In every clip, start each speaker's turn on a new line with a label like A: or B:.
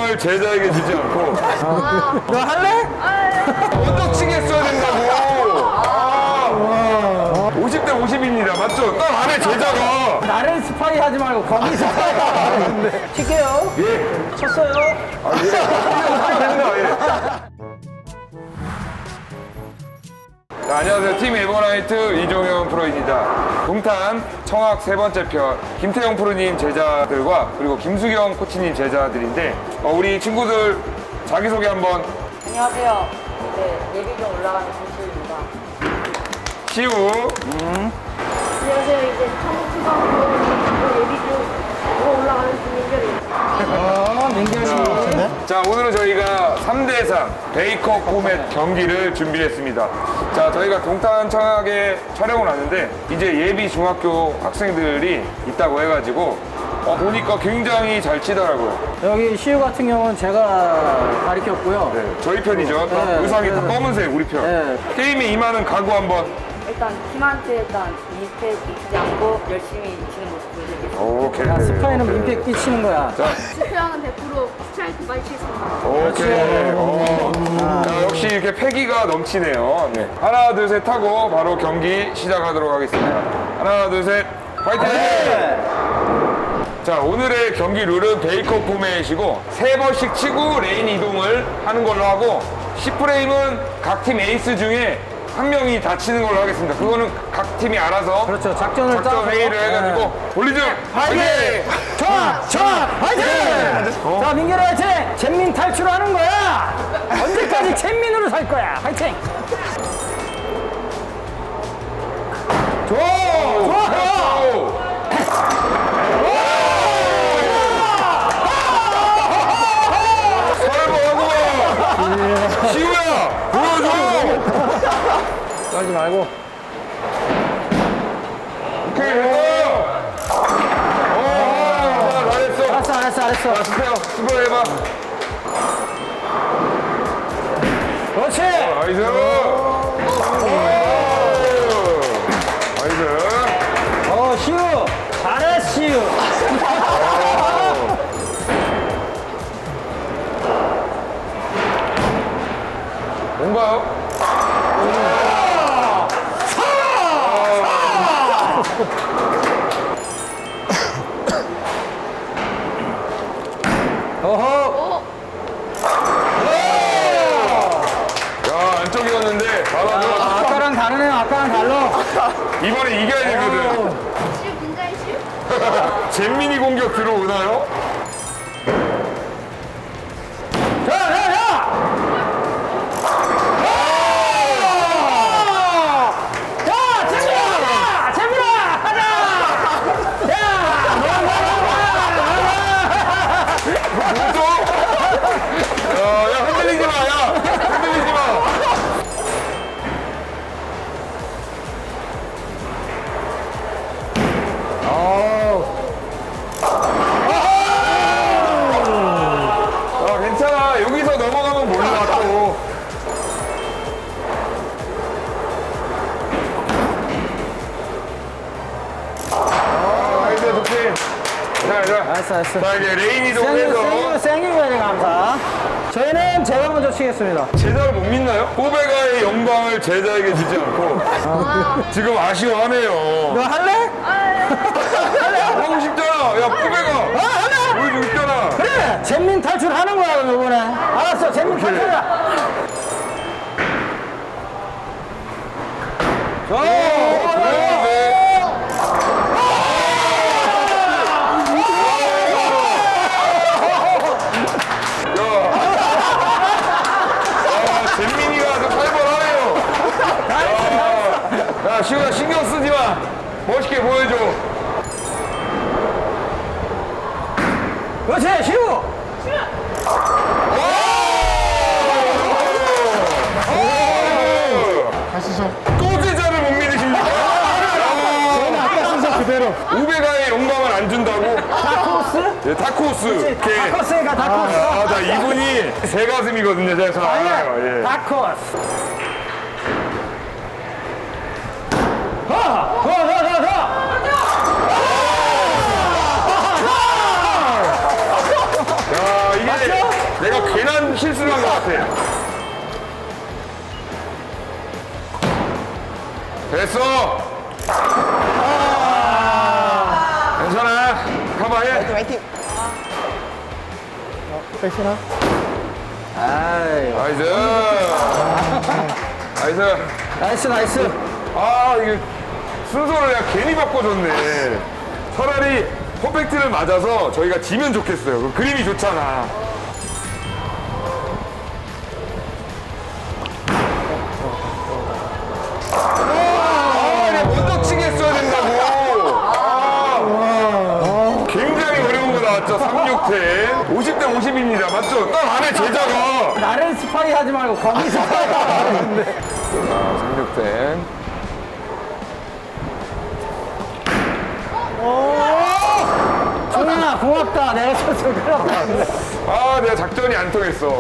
A: 영광을 제자에게 주지 않고
B: 너 할래?
A: 먼저 치겠어야 된다고. 50대 50입니다. 맞죠? 딱 안에 제자가.
B: 나를 스파이 하지 말고 거기 스파이 하는데. 칠게요.
A: 예.
B: 쳤어요.
A: 자, 안녕하세요. 팀 에버나이트 이종현 프로입니다. 동탄 청학 세 번째 편 김태형 프로님 제자들과 그리고 김수경 코치님 제자들인데 우리 친구들 자기소개 한번.
C: 안녕하세요. 네, 예비경 올라가는 김수입니다.
A: 시우.
C: 안녕하세요. 이제 청초등학교 예비경 올라가는 김민결입니다.
B: 민결씨.
A: 자, 오늘은 저희가 3대3 베이커 포맷 경기를 준비했습니다. 자, 저희가 동탄 청학에 촬영을 왔는데 이제 예비 중학교 학생들이 있다고 해가지고 보니까 굉장히 잘 치더라고요.
B: 여기 시우 같은 경우는 제가 가르쳤고요.
A: 네, 저희 편이죠. 다
B: 네,
A: 의상이 다
B: 네.
A: 검은색 우리 편.
B: 네.
A: 게임에 임하는 각오 한번.
C: 일단 팀한테 일단 민폐 끼치지 않고 열심히 치는 모습 보여드리겠습니다.
A: 오케이.
B: 야, 스파이는
A: 오케이.
B: 민폐 끼치는 거야.
A: 자,
D: 실패하면 100% 스트라이크 많이 치겠습니다.
A: 오케이. 자, 역시 이렇게 패기가 넘치네요. 네. 하나, 둘, 셋 하고 바로 경기 시작하도록 하겠습니다. 하나, 둘, 셋. 화이팅! 자, 오늘의 경기 룰은 베이커 포맷이고 3번씩 치고 레인 이동을 하는 걸로 하고 10프레임은 각 팀 에이스 중에 한 명이 다 치는 걸로 하겠습니다. 그거는 각 팀이 알아서
B: 그렇죠. 작전
A: 회의를 해가지고 볼리즘 화이팅!
B: 좋아! 화이팅! 자, 민결아 화이팅! 잼민 탈출하는 거야! 언제까지 잼민으로 살 거야! 화이팅! 좋아!
A: 설거하고 시우야 보여줘.
B: 떨지 말고.
A: 오케이 됐어.
B: 알았어.
A: 자, 스페어 스페어 해봐.
B: 그렇지!
A: 나이스. 나이스.
B: 시우! 잘했어, 시우!
A: 뭔가요?
B: 어허!
A: 야, 안쪽이었는데 바로 들어갔어.
B: 아까랑 다르네요. 아까랑 달라.
A: 이번에 이겨야 되거든.
D: 시우 긴장해 시우.
A: 잼민이 공격 들어오나요?
B: 자! 야, 재민아! 가자!
A: 또? 야, 흔들리지 마, 야! 흔들리지 마! 괜찮아. 여기서 넘어가면 몰라, 또. 이제 좋지. 자.
B: 알았어.
A: 자, 이제 레인 이동해서.
B: 생일까지 감사. 저희는 제가 먼저 치겠습니다.
A: 제자를 못 믿나요? 꼬베가의 영광을 제자에게 주지 않고 지금 아쉬워하네요.
B: 너 할래?
A: 하고 싶잖아. 야, 꼬베가
B: 할래?
A: 보여주고 싶잖아.
B: 그래! 잼민 탈출하는 거야, 그럼 이번에. 알았어, 잼민 탈출이야.
A: 잼민이가 아주 살벌하네요. 야, 시우야 신경 쓰지 마. 멋있게 보여줘.
B: 그렇지, 시우!
A: 또 제자를 못 믿으십니까?
B: 아까 순서 그대로.
A: 우베가의 영광을 안 준다고?
B: 다크호스?
A: 네, 다크호스. 이렇게.
B: 다크호스니까 다크호스.
A: 자, 이분이 새 가슴이거든요. 제가 잘 알아요.
B: 아니야,
A: 예.
B: 다크호스. 더!
A: 야, 이게 내가 괜한 실수를 한 것 같아. 됐어. 괜찮아. 가봐해.
B: 아이,
A: 나이스. 나이스.
B: 나이스, 나이스.
A: 아, 이게 순서를 내가 괜히 바꿔줬네. 차라리 퍼펙트를 맞아서 저희가 지면 좋겠어요. 그 그림이 좋잖아. 아, 내가 먼저 치게 했어야 된다고. 굉장히 어려운 거 나왔죠. 36템. 50대 50입니다. 맞죠? 딱 안에 제자가.
B: 나를 스파이 하지 말고 거기 스파이 하는데.
A: 자, 36템.
B: 종현아, 고맙다. 내가 쳤어. 큰일 났다.
A: 아, 내가 작전이 안 통했어.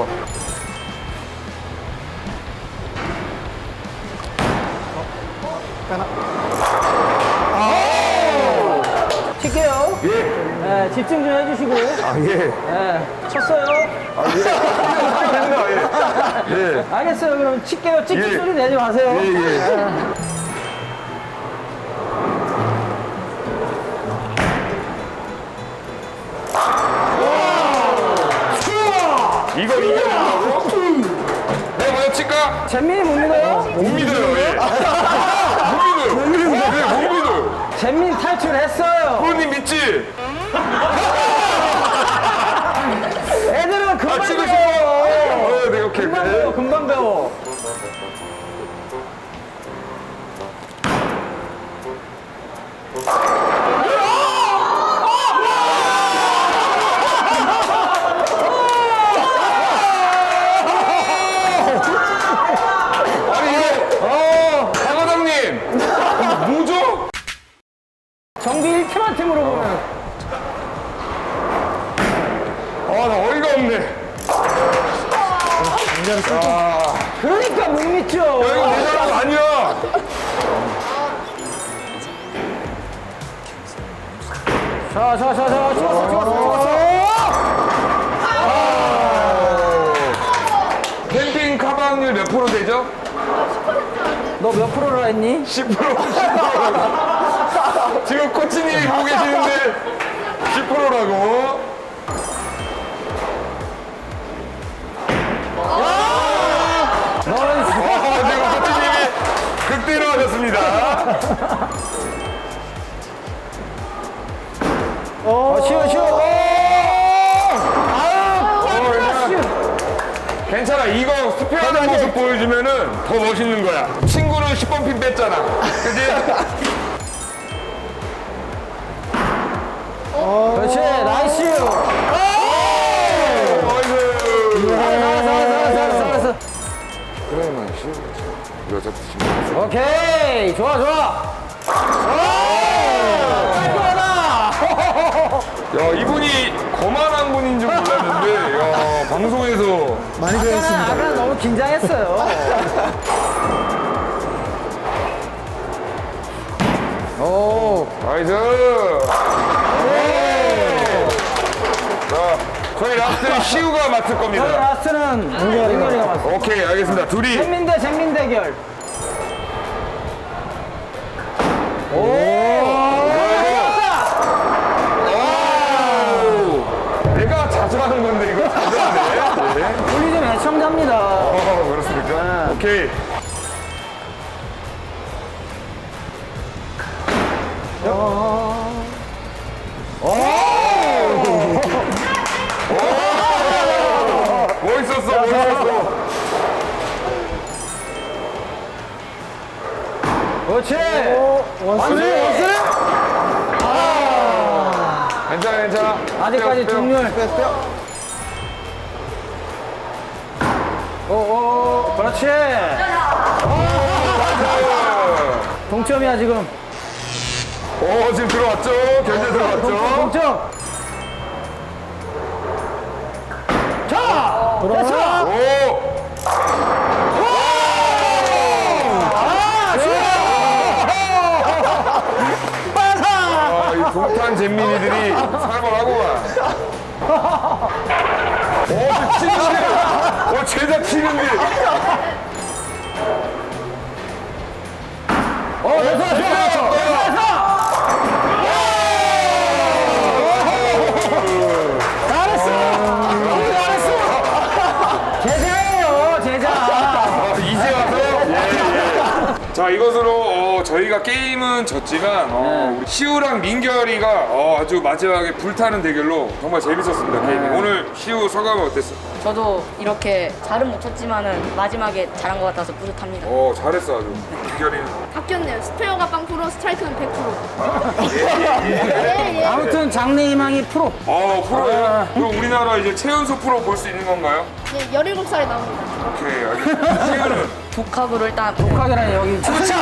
B: 칠게요.
A: 예.
B: 네, 집중 좀 해주시고.
A: 아, 예.
B: 네, 쳤어요.
A: 아, 예. 됐나, 예. 예.
B: 알겠어요. 그럼 칠게요. 찍기
A: 예.
B: 소리 내지 마세요.
A: 예, 예. 이걸 이겨낸다고? 내가 먼저 칠까?
B: 잼민이 못 믿어요?
A: 못 믿어요, 예. 못 믿어요. 못 믿어요.
B: 잼민 탈출했어요.
A: 부모님 믿지?
B: 애들은 금방
A: 아, 치고 싶어.
B: 배워.
A: 네, 오케이,
B: 금방 배워,
A: 오케이.
B: 금방 배워.
A: 아니, 이게, 사과장님. 뭐죠?
B: 정비 1팀한테 물어보면.
A: 아, 나 어이가 없네.
B: 그러니까 못 믿죠.
A: 야, 이거 내 잘못 아니야.
B: 자, 찍었어.
A: 캠핑 가방률 몇 프로 되죠?
B: 너 몇 프로라 했니?
A: 10%. 지금 코치님이 보고 계시는데 10%라고.
B: 너는
A: 지금 코치님이 극대로 하셨습니다.
B: 쉬워.
A: 괜찮아. 이거 스페어하는 모습 보여주면은 더 멋있는 거야. 친구는 10번 핀 뺐잖아. 그지?
B: 그렇지, 나이스. 잘했어.
A: 그래만 쉬우지. 여자 친구.
B: 오케이, 좋아. 깔끔하다.
A: 야, 이분이 거만한 분인 줄 몰랐는데, 야, 방송에서.
E: 많이 배웠습니다.
B: 아까 너무 긴장했어요. 오,
A: 나이스. 자, 저희 라스트는 시우가 맡을
B: 저희
A: 겁니다.
B: 라스트는 민결이가 맞어.
A: 오케이, 알겠습니다. 둘이.
B: 잼민 대결.
A: 내가 자주 하는 건데, 이거 자주 하네. 네.
B: 우리 좀 애청자입니다.
A: 그렇습니까? 오케이. 멋있었어.
B: 그렇지.
E: 원수.
A: 괜찮아.
B: 아직까지
A: 빼요.
B: 동률. 오, 그렇지. 동점이야 지금.
A: 오, 지금 들어왔죠? 견제 들어왔죠?
B: 동점. 자, 됐어.
A: 오! 아, 이 동탄 잼민이들이 살벌하구만. 오, 지금 치는데. 제작 치는데.
B: 제자예요, 제자.
A: 이제 와서? 예. 자, 이것으로 저희가 게임은 졌지만 우리 시우랑 민결이가 아주 마지막에 불타는 대결로 정말 재밌었습니다, 게임이. 오늘 시우 소감은 어땠어?
C: 저도 이렇게 잘은 못 쳤지만은 마지막에 잘한 것 같아서 뿌듯합니다.
A: 잘했어, 아주. 민결이는.
D: 바뀌었네요. 스페어가 빵프로, 스트라이크는 100%.
B: 아무튼 장래희망이 프로.
A: 프로예요? 그럼 우리나라 이제 최연소 프로 볼 수 있는 건가요?
D: 네, 17살에 나옵니다.
A: 오케이, 알겠습니다. 시우는?
C: 독학으로 일단
B: 독학이라니 여기.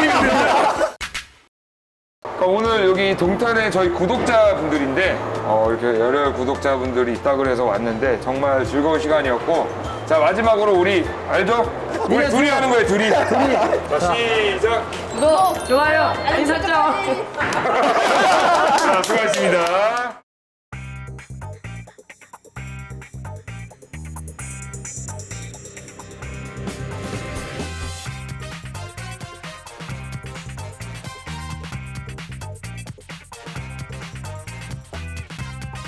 A: 오늘 여기 동탄에 저희 구독자분들인데 이렇게 여러 구독자분들이 있다 그래서 왔는데 정말 즐거운 시간이었고, 자 마지막으로 우리 알죠? 우리 둘이 하는 거예요, 둘이. 자 시작.
C: 구독, 좋아요, 알림 설정.
A: 자 수고하셨습니다.